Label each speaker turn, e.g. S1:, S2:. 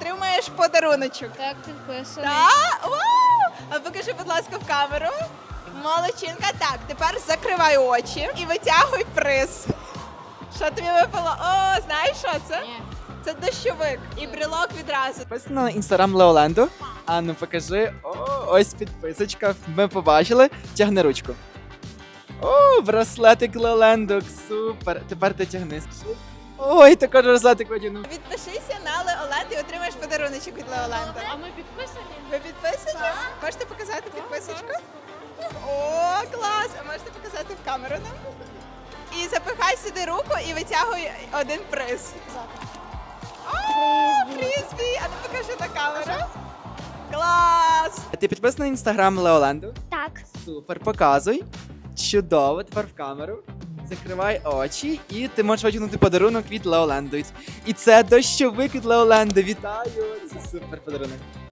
S1: отримаєш подаруночок.
S2: Так, підписаний.
S1: Так? Вау! А покажи, будь ласка, в камеру. Молодчинка. Так, тепер закривай очі і витягуй приз. Що тобі випало? О, знаєш, що це?
S2: Ні.
S1: Це дощовик і брелок відразу.
S3: Підписано на інстаграм Леоленду. А ну покажи. О, ось підписочка. Ми побачили. Тягни ручку. О, браслетик Леоленду. Супер. Тепер ти тягни. Ой, також браслетик одягнув.
S1: Відпишися на Леоленд і отримаєш подаруночок від Леоленда.
S2: А ми підписані?
S1: Ви підписані? Можете показати підписочку? О, клас! А можете показати в камеру нам? І запихай сюди руку і витягуй один приз. О, фрізбі! А ну покажи на камеру. Клас!
S3: Ти підписана на інстаграм Леоленду?
S4: Так.
S3: Супер, показуй. Чудово, тепер в камеру. Закривай очі, і ти можеш витягнути подарунок від Леоленду. І це дощовик від Леоленду. Вітаю! Це супер подарунок.